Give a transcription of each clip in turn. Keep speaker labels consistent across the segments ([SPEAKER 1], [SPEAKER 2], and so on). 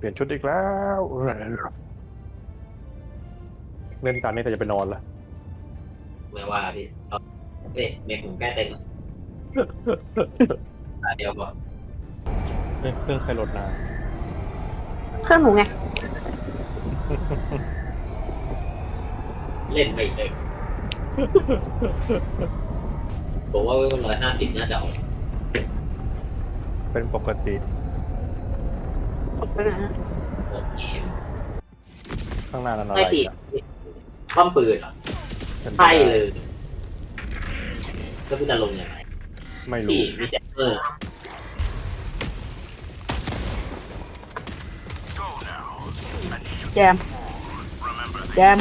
[SPEAKER 1] ลี่ยนชุดอีกแล้วเล่นการนี้แต่จะไปนอนละ
[SPEAKER 2] ไม่ว่าพี่เน็ตผมแก้เต็มเดียวก่อน
[SPEAKER 1] เครื่องใครโหลดนาน
[SPEAKER 3] เครื่องหนูไง
[SPEAKER 2] เล่นไม่เลยผมว่า150น่าจะออก
[SPEAKER 1] เป็นปกติ
[SPEAKER 3] ออกไปนะ
[SPEAKER 2] โอเค
[SPEAKER 1] ข้างหน้านั้นอะไร
[SPEAKER 2] ไม่ติด
[SPEAKER 1] อ่ะ
[SPEAKER 2] ป้อมปืนเหรอ
[SPEAKER 1] เป็นไป
[SPEAKER 2] ใช่
[SPEAKER 1] ได้
[SPEAKER 2] เลยก็คือจะลงยังไง
[SPEAKER 1] ไม่รู้
[SPEAKER 2] ที่มีแจ็คเกอร์
[SPEAKER 3] แจมแจม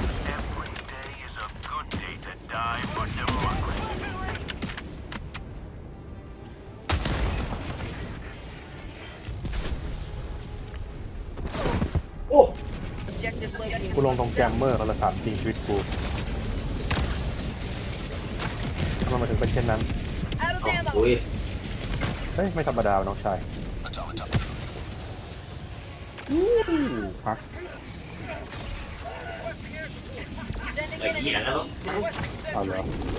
[SPEAKER 2] โอ้
[SPEAKER 1] กูลงตรงแกมเมอร์เขาละถามจริงชีวิตกูทำไมมาถึงเป็นเช่นนั้น
[SPEAKER 2] โอ้ย
[SPEAKER 1] เฮ้ย ไม่ธรรมดาน้องชายพัก
[SPEAKER 2] ไอ้เหี้ยแล้ว
[SPEAKER 1] เอาเหรอ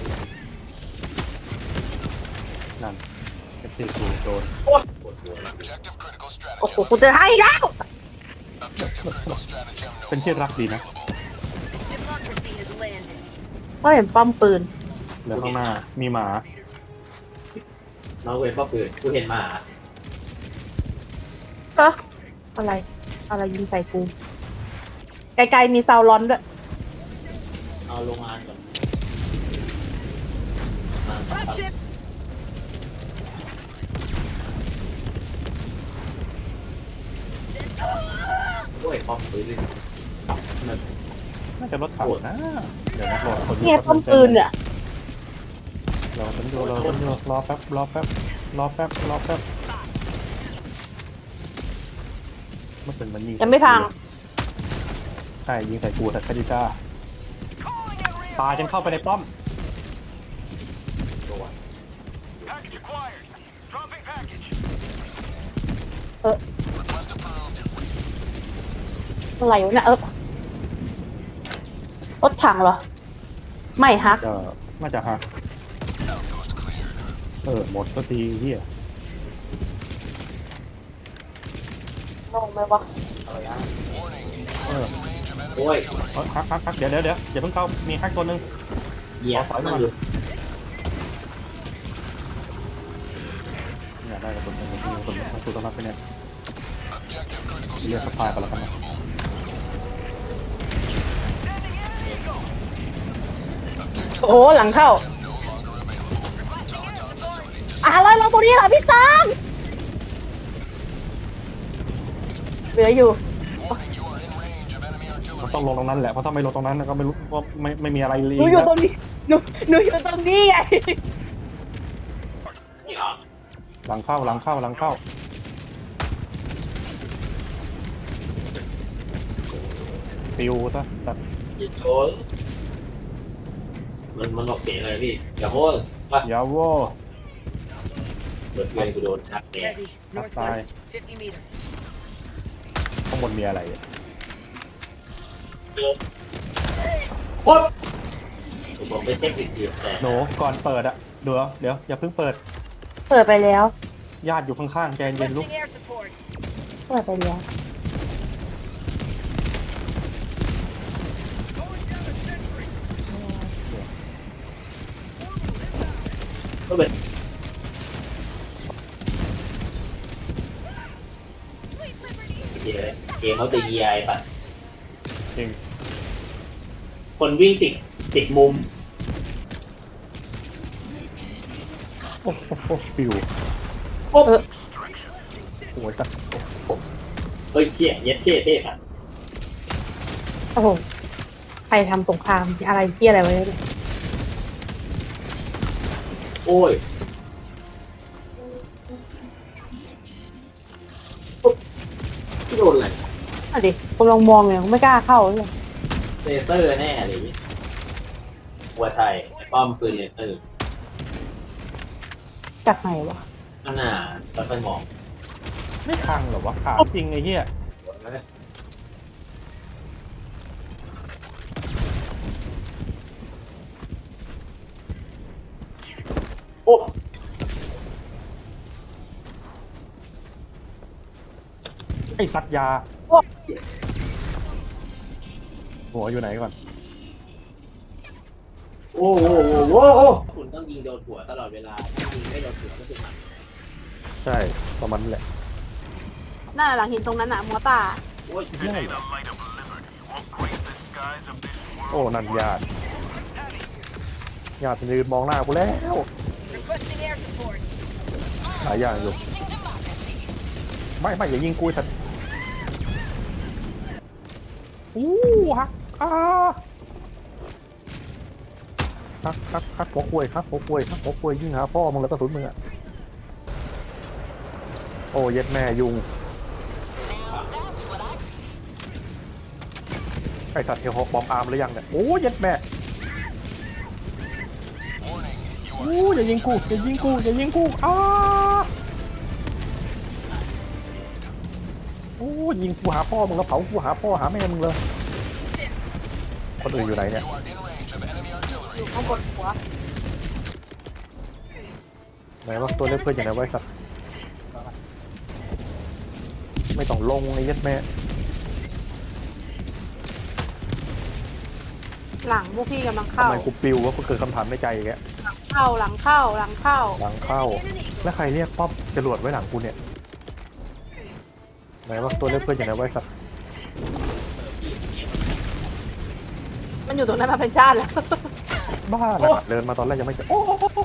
[SPEAKER 1] นั่นเอฟซีกูโดน
[SPEAKER 2] ปวดหัว
[SPEAKER 3] โอ้โหกูจะให้แล้ว
[SPEAKER 1] เป็นที่รักดีนะ
[SPEAKER 3] ก็เห็นป้อมปืน
[SPEAKER 1] แล้วข้างหน้ามีหมา
[SPEAKER 2] น้องเวรป้อมปืนกูเห็นมา
[SPEAKER 3] เอออะไร อะไรยิงใส่กู ไกลๆมีซาวร้อนด้วย
[SPEAKER 2] เอาลงมาก่อนโอ้ยป้อมปืนเลย
[SPEAKER 1] น่าจะรถถังนะ เดี๋ยวนะรอคน
[SPEAKER 3] เนี่ยป้อมปืนเนี่ย
[SPEAKER 1] รอคนดูรอแป๊บรอแป๊บมันเป็นมันยิง
[SPEAKER 3] ยังไม่พัง
[SPEAKER 1] ใช่ยิงใส่กูแต่คาดิก้าตายจนเข้าไปในป้อม
[SPEAKER 3] อะไรวะเนี่ยรถถังเหรอ ไม่ฮัก
[SPEAKER 1] ก็น่าจะหักหมดก็ทีเฮีย
[SPEAKER 3] ลงไหมวะ
[SPEAKER 2] โอ้ย
[SPEAKER 1] ฮักเดี๋ยวอย่าเพิ่งเข้ามีฮักตัวหนึ่ง
[SPEAKER 2] เหยียบมันอยู่
[SPEAKER 1] เนี่ยได้กับคนต้องรับไปเนี่ยเรียกสปายไปแล้วกันนะ
[SPEAKER 3] โอ้โหหลังเข้าอะไรเราตัวนี้เหรอพี่ตามเหลืออยู่
[SPEAKER 1] มันต้องลงตรงนั้นแหละเพราะถ้าไม่ลงตรงนั้นก็ไม่รู้ว่าไม่มีอะไรเลย
[SPEAKER 3] หนูอยู่ตรงนี้หนูอยู่ตรงนี้ไง
[SPEAKER 2] นี่เหรอ
[SPEAKER 1] หลังเข้าปิวซะสัตว์
[SPEAKER 2] ยิงโดนมันบอกเสียงอะไรพี่อย่าโห้นป่ะ
[SPEAKER 1] ยาโว
[SPEAKER 2] เปิดเพลงกูโดนชักแก
[SPEAKER 1] ฮักตายข้างบนมีอะไรอ่ะ
[SPEAKER 2] โอ๊ยผมไปเช็คติดอยู่แต่
[SPEAKER 1] หนูก่อนเปิดอะเดี๋ยวอย่าเพิ่งเปิด
[SPEAKER 3] เปิดไปแล้ว
[SPEAKER 1] ญาติอยู่ข้างๆใจเย็นลูก
[SPEAKER 3] เปิดไปแล้ว
[SPEAKER 2] ก็เป็นเกมเขาจะยีไอป่ะ
[SPEAKER 1] จริง
[SPEAKER 2] คนวิ่งติดมุม
[SPEAKER 1] โอ้โหปิว
[SPEAKER 2] โอ้
[SPEAKER 1] โอ้ยสัตว์
[SPEAKER 2] เฮ้ยเที่ยเย็ดเท่ป่ะ
[SPEAKER 3] โอ้โหใครทำสงครามอะไรเที่ยอะไรไว้เนี่ย
[SPEAKER 2] โอ้ยที่โดนอะไร
[SPEAKER 3] อ่ะดิผมลองมองเนี่ยไม่กล้าเข้าเลย
[SPEAKER 2] เลเซอร์แน่อะไรอย่างงี้หัวไทยไอ้ป้อมปืนเลเซอร์
[SPEAKER 3] จากไหนวะ
[SPEAKER 2] ข้างหน้าแล้วค่อยมอง
[SPEAKER 1] ไม่พังเหรอวะถามจริงไอ้เหี้ย
[SPEAKER 2] เลยโอ้
[SPEAKER 1] ไอสัตว์ยาหัวอยู่ไหนก่อน
[SPEAKER 2] โอ้โหโอ้โหคุณต้องยิงโดนหัวตลอดเวลาถ้ายิงไม่โดนหัวก็คือหมัน
[SPEAKER 1] ใช่ประมาณนั้นแหละ
[SPEAKER 3] หน้าหลังหินตรงนั้นน่ะมัวตา
[SPEAKER 2] โอ้ย
[SPEAKER 1] ใช่โอ้นั่นญาติยืนมองหน้ากูแล้วหลายอย่างอยู่ไม่อย่ายิงกูสัตว์ฮักฮักหัวกล้วยยิงหาพ่อมึงแล้วกระสุนมึงอะโอ้เย็ดแม่ยุงไอสัตว์เทลฮอกบอมอาร์มหรือยังเนี่ยโอ้เย็ดแม่อย่ายิงกูยิงกูหาพ่อมึงแล้วเผากูหาพ่อหาแม่มึงเลยคนอื่นอยู่ไหนเนี่ย
[SPEAKER 3] อยู่ข้างบนหัว
[SPEAKER 1] ไหนว่าตัวเล็กเพื่อนอย่างไรไว้สัตว์ไม่ต้องลงไอ้ยัดแม่
[SPEAKER 3] หลังพวกพี่กำลัง
[SPEAKER 1] ทำ
[SPEAKER 3] เข้า
[SPEAKER 1] ไมกูปิวว่ากูเกิดคำถามในใจแก
[SPEAKER 3] หลังเข้า
[SPEAKER 1] หลังเข้าแล้วใครเรียกป๊อปจรวดไว้หลังกูเนี่ยไหนว่าตัวเล็กเพื่อนอย่างไรไว้สัตว์
[SPEAKER 3] มันอยู่ตรงนั้นมาเป็นชาติแล้ว
[SPEAKER 1] บ้านะเดินมาตอนแรกยังไม่เจอโอ้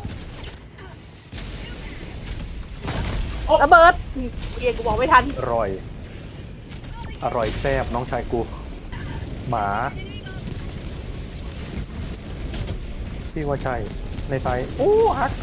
[SPEAKER 3] ระเบิดเกียกูบอกไม่ทัน
[SPEAKER 1] อร่อยแซ่บน้องชายกูหมาพี่ว่าใช่ในไซส์ฮัก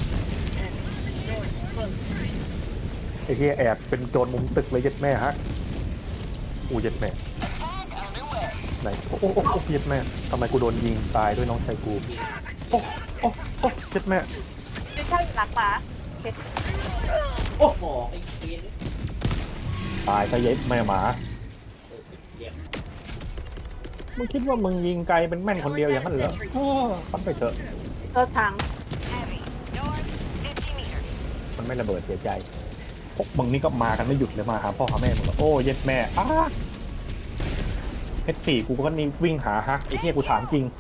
[SPEAKER 1] ไอ้เหี้ยแอบเป็นโจรมุมตึกเลยยัดแม่ฮักยัดแม่ไหนโอ้ยัดแม่ทำไมกูโดนยิงตายด้วยน้องชายกูโอ้ยัดแม่
[SPEAKER 3] ไม่ใช่หลังหมา
[SPEAKER 2] โอ้โหไอ้เกียร์
[SPEAKER 1] ตายซะยัดแม่หมามึงคิดว่ามึงยิงไกลเป็นแม่นคนเดียวอย่างนั้นเหรอฟันไปเถอะ
[SPEAKER 3] เลิกทาง
[SPEAKER 1] มันไม่ระเบิดเสียใจพวกมึงนี่ก็มากันไม่หยุดเลยมาหาพ่อหาแม่มึงโอ้เย็ดแม่H4กูก็นี่วิ่งหาฮักไอ้เหี้ยกูถามจริง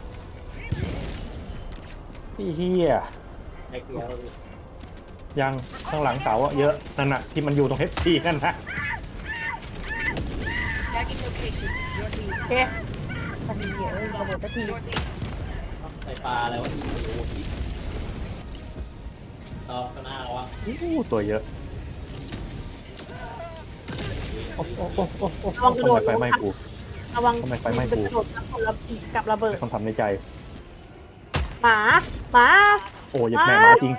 [SPEAKER 1] ไอ้เหี้ย
[SPEAKER 2] ไอ้เกียร์
[SPEAKER 1] ยังข้างหลังเสาอะเยอะนั่นน่ะที่มันอยู่ตรง H4 นั่นนะ
[SPEAKER 3] โอเคทันทีเอ้ยระเบิดสักที
[SPEAKER 2] ใส่ปลาอะไรวะยิงโอ้โหต่อข้างหน้าเราวะ
[SPEAKER 1] ตัวเยอะโอ้ทำไมไฟไหม้กู
[SPEAKER 3] ระวัง
[SPEAKER 1] ทำไมไฟไหม้กู
[SPEAKER 3] กระโดดกับระเบิด
[SPEAKER 1] คำถามในใจ
[SPEAKER 3] หมา
[SPEAKER 1] โอ้เย็ดแม่หมาจริง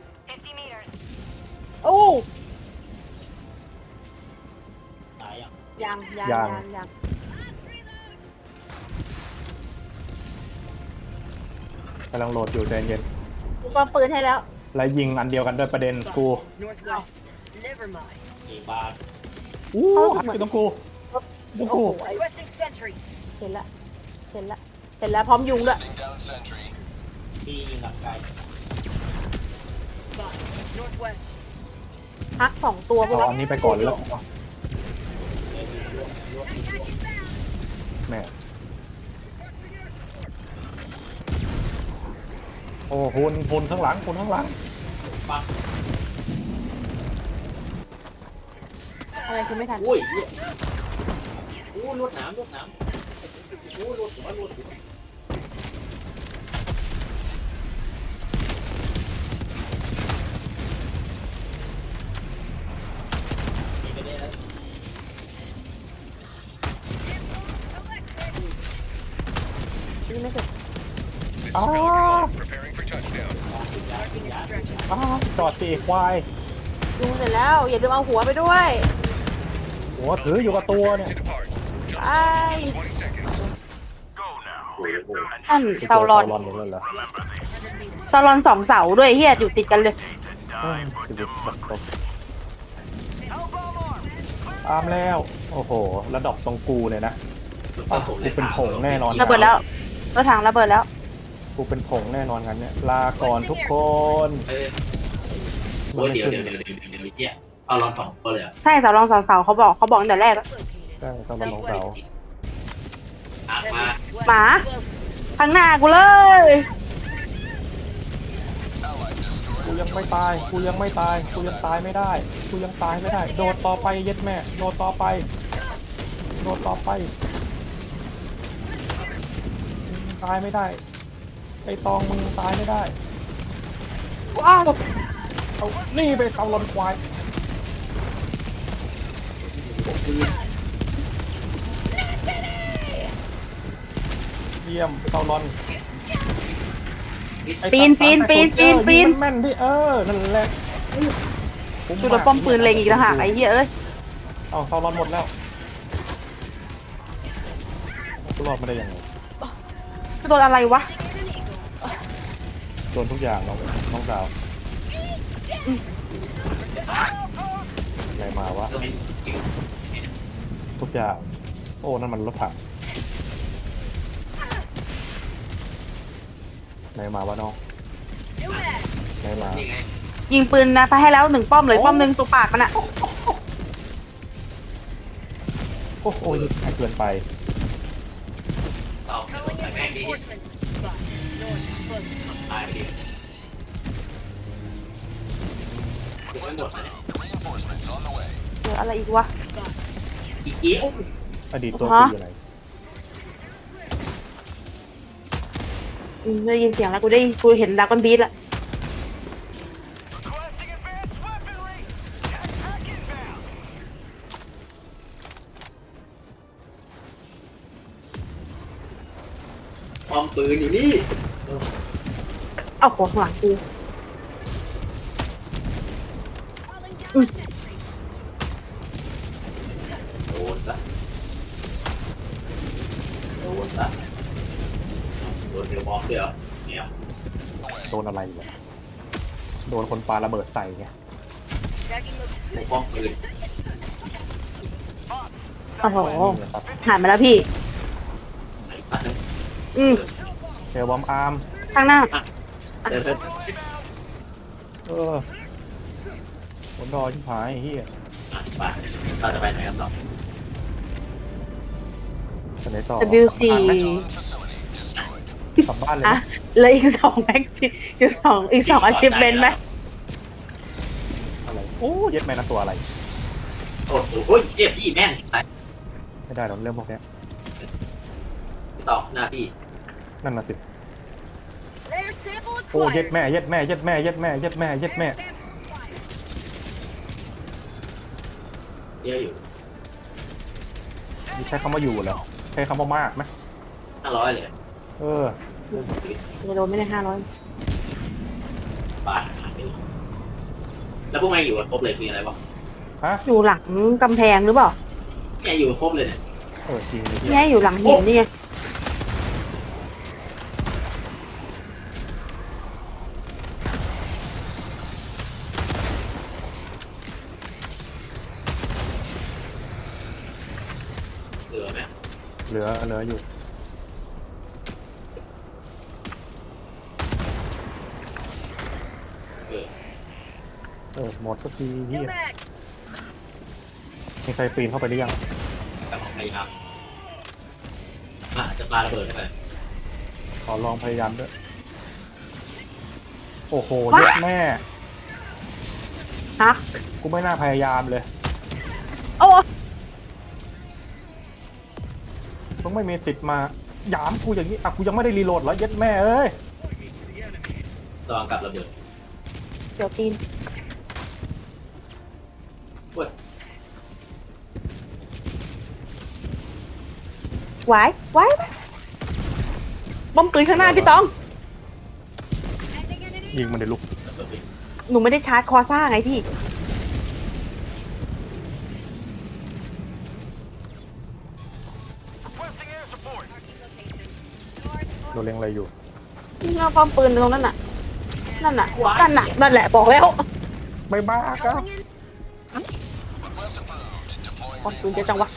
[SPEAKER 3] โอ้
[SPEAKER 2] ตายอ่ะ
[SPEAKER 3] ยัง
[SPEAKER 1] กำลังโหลดอยู่ใจเย็น
[SPEAKER 3] กูก็ปืนให้แล้ว
[SPEAKER 1] แล้วยิงอันเดียวกันด้วยประเด็นกู
[SPEAKER 2] กี่บาท
[SPEAKER 1] ฮักอยู่ตรงกูตรงกู
[SPEAKER 3] เห็นแล้วพร้อมยุงด้วย
[SPEAKER 2] พี่ยิงหลังไกล
[SPEAKER 3] ฮัก2 ตัวพวก
[SPEAKER 1] เอาอันนี้ไปก่อนแล้วแม่โอ้หุ่นข้างหลัง
[SPEAKER 2] ปัก
[SPEAKER 3] อะไรคือไม่ทัน
[SPEAKER 2] อุ้ยเหี้ยอู้ลวดหนามอู้ลวดหัวมีไปได้แล้ว
[SPEAKER 3] นี่ไม่เสร็จ
[SPEAKER 1] จอดสิควาย
[SPEAKER 3] ยุงเสร็จแล้วอย่าลืมเอาหัวไปด้วย
[SPEAKER 1] หัวถืออยู่กับตัวเนี่ย
[SPEAKER 3] ไอ้ท่านเตาลอน
[SPEAKER 1] หมดแล้วเหรอ
[SPEAKER 3] เตาลอน2 เสาด้วยเฮียอยู่ติดกันเลย
[SPEAKER 1] ชีวิตแบบตกตามแล้วโอ้โหระดับตรงกูเลยนะอ้าวกูเป็นผงแน่นอน
[SPEAKER 3] ระเบิดแล้วรถถังระเบิดแล้ว
[SPEAKER 1] กูเป็นผงแน่นอนงั้นเนี่ยลาก่อนทุกคน
[SPEAKER 2] เออโอ้ยเดี๋ยวเนี่ยเอาลองสองตัวเลยอ่ะ
[SPEAKER 3] ใช่สาวรองสาวเขาบอกตั้งแต่แรกแล้ว
[SPEAKER 1] ใช่ต้องเป็นของเสา
[SPEAKER 2] มา
[SPEAKER 3] หมาข้างหน้ากูเลย
[SPEAKER 1] กูยังไม่ตายกูยังไม่ตายกูยังตายไม่ได้กูยังตายไม่ได้โดดต่อไปเย็ดแม่โดดต่อไปโดดต่อไปตายไม่ได้ไอตองมึงตายไม่ได้
[SPEAKER 3] ว้าว
[SPEAKER 1] เอานี่ไปเอาลนควายเยี่ยมเซาลอนไอ้
[SPEAKER 3] ปีน
[SPEAKER 1] สัตว์ยิงแม่นที่นั่นแหละ
[SPEAKER 3] จุดป้อมปืนเล็งอีกแล้วหากไอ้เหี้ยเอ้ย
[SPEAKER 1] เอาเซาลอนหมดแล้วกูรอดไม่ได้ยังไง
[SPEAKER 3] โดนอะไรวะ
[SPEAKER 1] โดนทุกอย่างน้องสาวอะไรมาวะ
[SPEAKER 2] ก็ไม่
[SPEAKER 1] ทุกอย่างโอ้นั่นมันรถถังไหนมาวะน้องไหนมา
[SPEAKER 2] นี่ไง
[SPEAKER 3] ยิงปืนนะไปให้แล้ว1 ป้อมเลยป้อมหนึ่งตัวปากมันอะ
[SPEAKER 1] โอ้โหเกินไป
[SPEAKER 2] ต่อใส่แม่งดีตายไปดิเก็บไว้หมดนะ
[SPEAKER 3] เหลืออะไรอีกวะ
[SPEAKER 2] อีกเอี้ยว
[SPEAKER 1] อดีตตัวคืออะไร
[SPEAKER 3] ได้ยินเสียงแล้วกูเห็นดราก้อนบีทละ
[SPEAKER 2] ป้อมปืนอยู่นี่
[SPEAKER 3] เอาหัวข้างหลังกู
[SPEAKER 2] โดนละโดนละโดนเดี๋ยวมองเดี๋ยวเนี่ย
[SPEAKER 1] โดนอะไรวะโดนคนปาระเบิดใส่ไง
[SPEAKER 2] ป้อมปืน
[SPEAKER 3] โอ้โหหันมาแล้วพี่
[SPEAKER 2] ไหนสัตว์
[SPEAKER 1] เทวอมอาร์ม
[SPEAKER 3] ข้างหน้า
[SPEAKER 2] เดิน
[SPEAKER 1] บนดอยชิบหายเฮีย
[SPEAKER 2] ไปเราจะไปไหนกันต่อ
[SPEAKER 1] จะไหนต่อ
[SPEAKER 3] WC
[SPEAKER 1] กลับบ้านเลย
[SPEAKER 3] อ่ะ
[SPEAKER 1] นะ
[SPEAKER 3] เลยอีก2แม็กซ์อีกสองอาชีพเบนไหม
[SPEAKER 1] อะไรโอ้เย็ดแม่นะตัวอะไร
[SPEAKER 2] โอ้โหเจี๊ยบพี่แม่ง
[SPEAKER 1] ไม่ได้หรอกเรื่องพวกเนี้ย
[SPEAKER 2] ต่อหน้าพี่
[SPEAKER 1] นั่นน่ะสิโอ้เย็ดแม่เย็ดแม่เย็ดแม่เย็ดแม่เย็ดแม่เย็ดแม่
[SPEAKER 2] เจี๊ยบอยู่
[SPEAKER 1] นี่ใช้คำว่าอยู่เหรอใช้คำว่ามากไหม
[SPEAKER 2] 500เลย
[SPEAKER 3] จะโดนไม่ได้500
[SPEAKER 2] บาทแล้วพวกแม่งอยู่กันครบเลยคืออะไรวะ
[SPEAKER 1] ฮะ
[SPEAKER 3] อยู่หลังกำแพงหรือเปล่า
[SPEAKER 2] เนี่ยอยู่กันครบเลยเนี่ย
[SPEAKER 1] จริงเลย
[SPEAKER 3] เนี่ยอยู่หลังหินนี่ไง
[SPEAKER 2] เหลือไหม
[SPEAKER 1] เหลืออยู่หมดก็ทีเฮียมีใครปีนเข้าไปหรือยัง
[SPEAKER 2] แต่ของพยายามจะปาระเบิดเข้าไป
[SPEAKER 1] ขอลองพยายามด้วยโอ้โหเย็ดแม่
[SPEAKER 3] ฮะ
[SPEAKER 1] กูไม่น่าพยายามเลย
[SPEAKER 3] โอ้
[SPEAKER 1] มึงไม่มีสิทธิ์มาหยามกูอย่างนี้อ่ะกูยังไม่ได้รีโหลดแล้วเย็ดแม่เอ้ย
[SPEAKER 2] ตอนกับระเบิด
[SPEAKER 3] เดี๋ยวตีน
[SPEAKER 2] เว้ย
[SPEAKER 3] ไว้บอมปืนข้างหน้าพี่ตอง
[SPEAKER 1] ยิงมันเลยลูก
[SPEAKER 2] ระเบิดไป
[SPEAKER 3] หนูไม่ได้ชาร์จคอซ่าไงพี่
[SPEAKER 1] โดนเล็งอะไรอยู่
[SPEAKER 3] เอาป้อมปืนตรงนั้นน่ะ นั่นแหละบอกแล้ว
[SPEAKER 1] ไม่บ้าครับ
[SPEAKER 3] ป้อมปืนเยอะจังวะ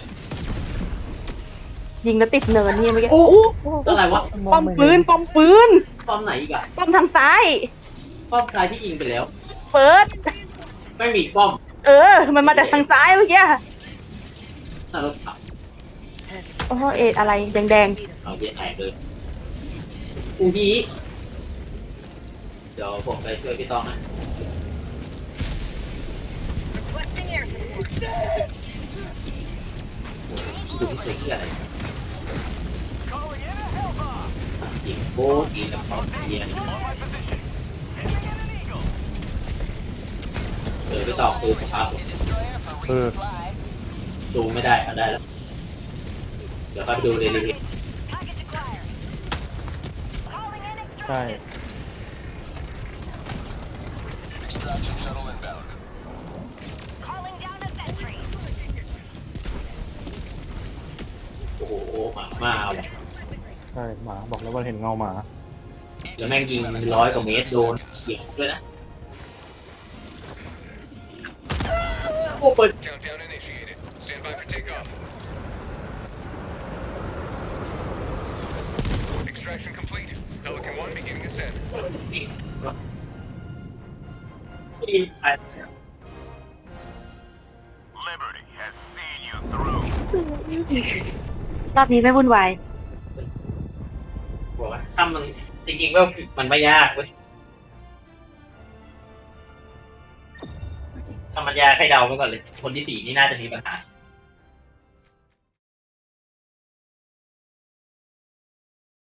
[SPEAKER 3] ยิงแล้วติดเนินนี่เมื่อกี้
[SPEAKER 2] โอ้โหอะไรวะ
[SPEAKER 3] ป้อมปืน
[SPEAKER 2] ป้อมไหนอีกอะ
[SPEAKER 3] ป้อมทางซ้าย
[SPEAKER 2] ป้อมชายที่ยิงไปแล้ว
[SPEAKER 3] เปิด
[SPEAKER 2] ไม่มีป้อม
[SPEAKER 3] มันมาจากทางซ้ายเมื่อกี้
[SPEAKER 2] น่ารถขับ
[SPEAKER 3] โอ้เอ็ดอะไรแดง
[SPEAKER 2] เอาเย็นแตกเลยอูฮีเดี๋ยวผมไปช่วยพี่ต้องนะดูที่เสียอะไรยิงโคตรดีกับเขาเยียนพี่ต้องคือสภาพผม
[SPEAKER 1] เออ
[SPEAKER 2] ดูไม่ได้เอาได้แล้ว เดี๋ยวเข้าไปดูในรีวิว
[SPEAKER 1] ใช่
[SPEAKER 2] โอ้โหมาเอาเลย
[SPEAKER 1] ใช่หมาบอกแล้วว่าเห็นเงาหมา
[SPEAKER 2] แล้วแม่งยิง100 กว่าเมตรโดนเขียวด้วยนะโอ้เปิด
[SPEAKER 4] Countdown initiated. Stand by for takeoff. Extraction complete. Pelican 1 beginning ascent.
[SPEAKER 2] ยิงไป
[SPEAKER 4] Liberty has seen you through.
[SPEAKER 3] ๆรอบนี้ไม่วุ่นวาย
[SPEAKER 2] บอกว่าถ้ามันจริงๆว่ามันไม่ยากเว้ยถ้ามันยากให้เดาไปก่อนเลย คนที่ 4นี่น่าจะมีปัญหา